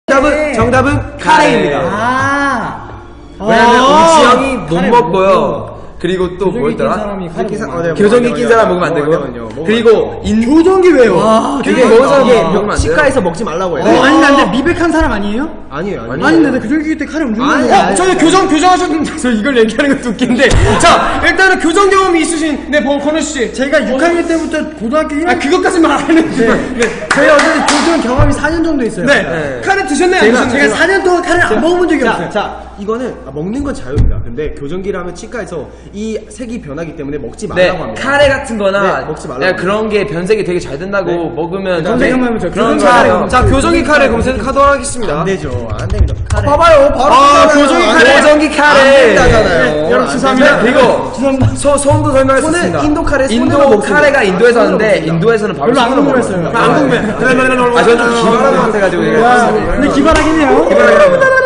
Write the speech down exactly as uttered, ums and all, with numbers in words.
정답은, 정답은 카레입니다. 아. 왜냐면 아 우리 지영이 못 먹고요. 그리고 또 뭐였더라? 교정기 낀 사람 먹으면 안 되고요. 그리고 인 교정기 왜요? 아, 교정기 먹은 사람 먹으면 먹으면 안 돼요? 치과에서 먹지 말라고 해요. 어, 아니 근데 미백한 사람 아니에요? 아니에요, 아니에요. 아닌데 나 교정기 때 카레 엄청 아니, 먹어요. 아니, 저희 교정, 교정하셨는데, 저 이걸 얘기하는 것도 웃긴데. 자, 일단은 교정 경험이 있으신, 네, 권우씨. 제가 육 학년 때부터 고등학교 일 학년 아, 그것까지만 안 했는데. 네. 저희 어쨌든 교정 경험이 사 년 정도 있어요. 네. 네. 카레 드셨나요? 안 제가, 드셨나요? 제가 사 년 동안 카레를 안 먹어본 적이 자, 없어요. 자, 이거는 아, 먹는 건 자유입니다. 근데 교정기를 하면 치과에서 이 색이 변하기 때문에 먹지 말라고 네, 합니다. 카레 같은 거나 네, 먹지 말라고 야, 합니다. 그런 게 변색이 되게 잘 된다고 네. 먹으면 검색 한번 해보죠. 그런 교정기 거 카레 알아요. 자, 교정기 카레 검색하도록 하겠습니다. 안 되죠, 안 됩니다. 카레. 봐봐요, 바로. 아, 교정기 카레. 교정기 카레. 안 된다잖아요. 네, 여러분, 죄송합니다. 그리고 죄송합니다. 소, 소음도 설명할 수 손은 있습니다. 인도 카레 손으로 인도 먹습니다. 카레가 인도에서 손으로 하는데 먹습니다. 인도에서는 바로 별로 안 손으로 궁금했어요. 먹어요. 안 궁금해. 아, 저는 좀 기발한 것 같아가지고. 와, 근데 기발하긴 해요. 기발하긴 해요.